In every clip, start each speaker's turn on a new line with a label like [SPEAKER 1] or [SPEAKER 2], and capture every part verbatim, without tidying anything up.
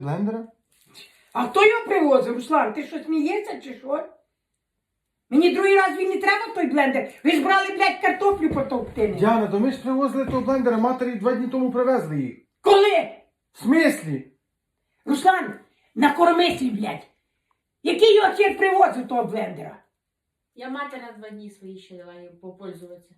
[SPEAKER 1] Блендера?
[SPEAKER 2] А хто його привозив, Руслан? Ти що, смієшся чи що? Мені другий раз він не треба той блендер. Ви ж брали, блядь, картоплю потовкти.
[SPEAKER 1] Діана, то ми ж привозили того блендера, матері два дні тому привезли їх.
[SPEAKER 2] Коли?
[SPEAKER 1] В смислі?
[SPEAKER 2] Руслан, накормися, блядь. Який його хер привозив того блендера?
[SPEAKER 3] Я матері на два дні свої ще дала їй попользуватися.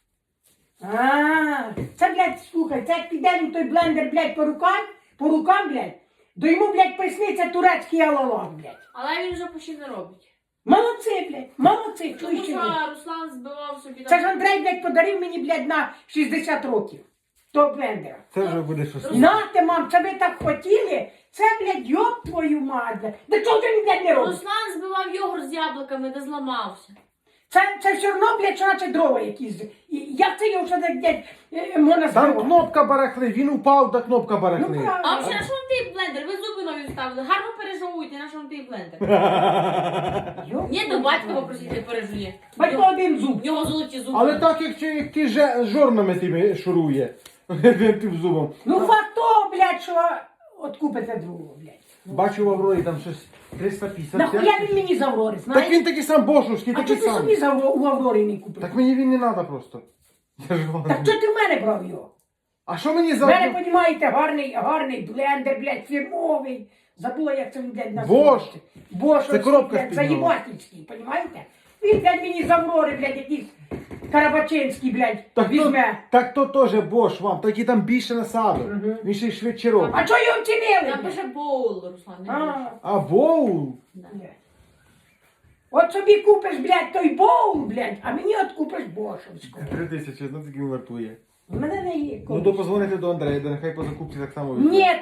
[SPEAKER 2] А, це, блядь, слухай, це як піде їм той блендер, блядь, по рукам, по рукам, блядь, то йому, блядь, присниться турецький алалах, блядь.
[SPEAKER 3] Але він вже почти не робить.
[SPEAKER 2] Молодці, блядь, молодці,
[SPEAKER 3] Тому
[SPEAKER 2] чуєш,
[SPEAKER 3] що
[SPEAKER 2] блядь.
[SPEAKER 3] Руслан збивав собі
[SPEAKER 2] Це ж Андрей, блядь, подарив мені, блядь, на шістдесят років. Того блендера.
[SPEAKER 1] Це вже буде щось.
[SPEAKER 2] Нате, мам, це ви так хотіли? Це, блядь, йоб твою мать, блядь. Да чого ти, блядь, не робиш?
[SPEAKER 3] Руслан збивав йогурт з яблуками, не зламався.
[SPEAKER 2] Це, це все одно, блядь, що наче дрова якісь. І як це його ще так, блядь, е, можна
[SPEAKER 1] Там
[SPEAKER 2] збивати?
[SPEAKER 1] кнопка барахли, він упав, та кнопка
[SPEAKER 2] Ну,
[SPEAKER 1] барахли.
[SPEAKER 2] правда.
[SPEAKER 3] А взагалі, на що вам той блендер? Ви зуби нові вставили. Гарно пережовуйте, на що вам той блендер?
[SPEAKER 2] Йоб
[SPEAKER 3] Ні, до
[SPEAKER 2] твою
[SPEAKER 3] батька
[SPEAKER 2] мать.
[SPEAKER 3] попросити пережує.
[SPEAKER 2] Батько один зуб.
[SPEAKER 3] В нього золоті зуби.
[SPEAKER 1] Але так, як, ті- як ті же- жорнами тими шурує. Тим зубом.
[SPEAKER 2] Ну факт того, блядь, що от купите другого, блядь.
[SPEAKER 1] Бачу в Аврорі там щось триста п'ятдесят.
[SPEAKER 2] Нахуя він мені з Аврори,
[SPEAKER 1] Так
[SPEAKER 2] знаєш?
[SPEAKER 1] він такий сам бошушкий,
[SPEAKER 2] А
[SPEAKER 1] такий
[SPEAKER 2] чого ти
[SPEAKER 1] сам.
[SPEAKER 2] собі з Авро- у Аврорі не купив?
[SPEAKER 1] Так мені він не треба просто. Я ж вам-
[SPEAKER 2] Так чого ти в мене брав його?
[SPEAKER 1] А що мені
[SPEAKER 2] В мене,
[SPEAKER 1] за...
[SPEAKER 2] понімаєте, гарний, гарний блендер, блядь, фірмовий. Забула, як це він, блядь,
[SPEAKER 1] Бош.
[SPEAKER 2] називається. Бош.
[SPEAKER 1] Це
[SPEAKER 2] оцей,
[SPEAKER 1] коробка
[SPEAKER 2] блядь,
[SPEAKER 1] з-під нього.
[SPEAKER 2] заєбатівський, понімаєте? Він, блядь, мені з Аврори, блядь, якийсь Карабачинський, блядь,
[SPEAKER 1] Так то,
[SPEAKER 2] візьме.
[SPEAKER 1] так то теж бош вам, тільки там більше насаду.
[SPEAKER 2] Мгм.
[SPEAKER 1] Він ще й швидше робить.
[SPEAKER 2] А чого його вчинили?
[SPEAKER 3] Там
[SPEAKER 2] блядь?
[SPEAKER 3] пише боул, Руслан, не боул.
[SPEAKER 2] А,
[SPEAKER 1] А боу?
[SPEAKER 3] Да.
[SPEAKER 2] блядь. От собі купиш, блядь, той боул, блядь, а мені от купиш бошовську.
[SPEAKER 1] Три тисячі, ну такий він вартує.
[SPEAKER 2] У мене не є.
[SPEAKER 1] Ну то позвоните до Андрея, де нехай по закупці так само візьме.
[SPEAKER 2] Ні.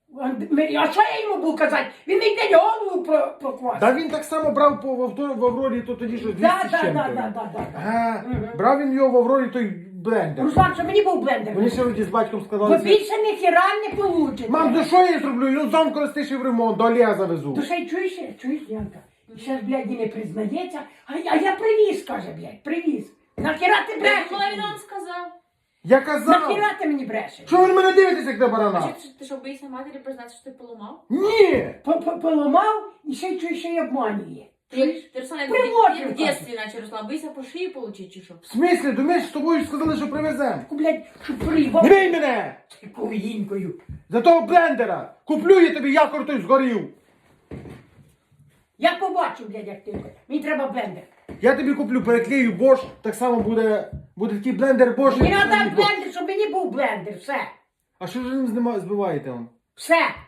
[SPEAKER 2] А що я йому буду казати? Він мені день голову про, проквасив.
[SPEAKER 1] Та він так само брав по, в, авто- в Аврорі, то тоді що двісті
[SPEAKER 2] Да,
[SPEAKER 1] з
[SPEAKER 2] да,
[SPEAKER 1] чим-то.
[SPEAKER 2] да, да, да, да.
[SPEAKER 1] Ага,
[SPEAKER 2] Мгм.
[SPEAKER 1] брав він його в Аврорі той блендер.
[SPEAKER 2] Руслан, що мені був блендер?
[SPEAKER 1] Вони сьогодні з батьком
[SPEAKER 2] Бо
[SPEAKER 1] сказали,
[SPEAKER 2] більше ніхіра не получите.
[SPEAKER 1] мам, за що я зроблю? Його зам користиш в ремонт, до Олега завезу.
[SPEAKER 2] То ще й чуєш, чуєш, Янка? І ще ж, блядь, і не признається, а, а я привіз, каже, блядь, привіз. Нахіра ти
[SPEAKER 3] Коли він
[SPEAKER 2] брешеш?
[SPEAKER 3] вам сказав?
[SPEAKER 1] Я казав,
[SPEAKER 2] Нахіра ти мені брешеш?
[SPEAKER 1] що ви на мене дивитеся, як на барана?
[SPEAKER 3] Чи ти що, боїшся матері признати, що ти поламав?
[SPEAKER 1] Ні!
[SPEAKER 2] По- по- Поламав і ще й чуєш, що й обманює.
[SPEAKER 3] Ти, ти Руслан, як
[SPEAKER 2] Приводжу,
[SPEAKER 3] в дитинстві наче, Руслан, боїшся по шиї получити, чи що?
[SPEAKER 1] В смислі, думаєш, з тобою сказали, що привезем?
[SPEAKER 2] Таку, блядь, щоб приїбав.
[SPEAKER 1] Не бий мене!
[SPEAKER 2] Такою гінькою.
[SPEAKER 1] За того блендера! Куплю я тобі, якор той згорів!
[SPEAKER 2] Я побачу, блядь, як ти. Мені треба блендер.
[SPEAKER 1] Я тобі куплю, переклею Bosch, так само буде, буде такий блендер Bosch.
[SPEAKER 2] Мені
[SPEAKER 1] як
[SPEAKER 2] треба
[SPEAKER 1] Bosch.
[SPEAKER 2] блендер, щоб мені був блендер, все.
[SPEAKER 1] А що ж ви ним знима- збиваєте он?
[SPEAKER 2] Все.